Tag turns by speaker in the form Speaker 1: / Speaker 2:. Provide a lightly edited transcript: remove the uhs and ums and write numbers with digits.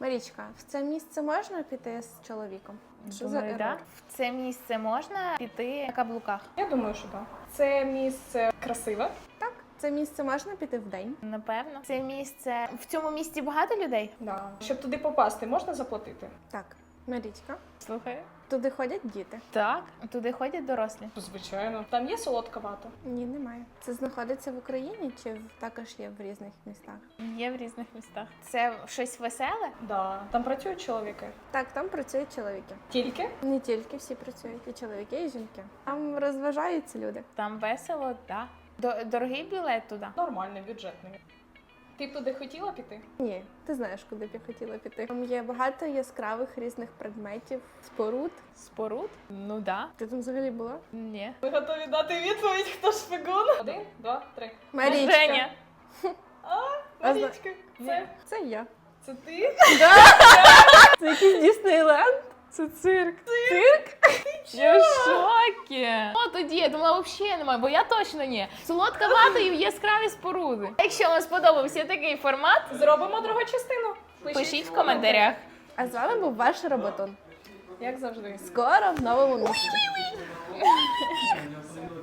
Speaker 1: Марічка, в це місце можна піти з чоловіком? Що за
Speaker 2: Думаю, да.
Speaker 1: ерор?
Speaker 2: В це місце можна піти на каблуках?
Speaker 3: Я думаю, що так. Це місце красиве.
Speaker 1: Так, в це місце можна піти вдень?
Speaker 2: Напевно. Це місце. В цьому місці багато людей?
Speaker 3: Да. Щоб туди попасти, можна заплатити?
Speaker 1: Так. Марічка,
Speaker 2: Слухай.
Speaker 1: туди ходять діти?
Speaker 2: Так, туди ходять дорослі.
Speaker 3: Звичайно. Там є солодка вата?
Speaker 1: Ні, немає. Це знаходиться в Україні чи також є в різних містах?
Speaker 2: Є в різних містах. Це щось веселе?
Speaker 3: Да. Там працюють чоловіки.
Speaker 1: Так, там працюють чоловіки.
Speaker 3: Тільки?
Speaker 1: Не тільки всі працюють, і чоловіки, і жінки. Там розважаються люди.
Speaker 2: Там весело, так. Дорогий білет туди.
Speaker 3: Нормальний, бюджетний. Ти б туди хотіла піти?
Speaker 1: Ні, ти знаєш, куди б я хотіла піти. Там є багато яскравих різних предметів, споруд.
Speaker 2: Споруд? Ну да.
Speaker 1: Ти там взагалі була?
Speaker 2: Ні.
Speaker 3: Ви готові дати відповідь, хто шпигун? 1, 2, 3.
Speaker 1: Марічка.
Speaker 2: Женя.
Speaker 3: Марічка,
Speaker 2: Ні.
Speaker 1: Це я.
Speaker 3: це ти?
Speaker 1: Це якийсь Діснейленд.
Speaker 2: Це цирк. Цирк? Я в шокі. О, тоді, я думала, взагалі немає, бо я точно ні. Солодка вата і яскраві споруди. Якщо вам сподобався такий формат,
Speaker 3: Зробимо другу частину.
Speaker 2: пишіть в коментарях.
Speaker 1: А з вами був ваш Роботун.
Speaker 3: Як завжди.
Speaker 1: Скоро в новому місці.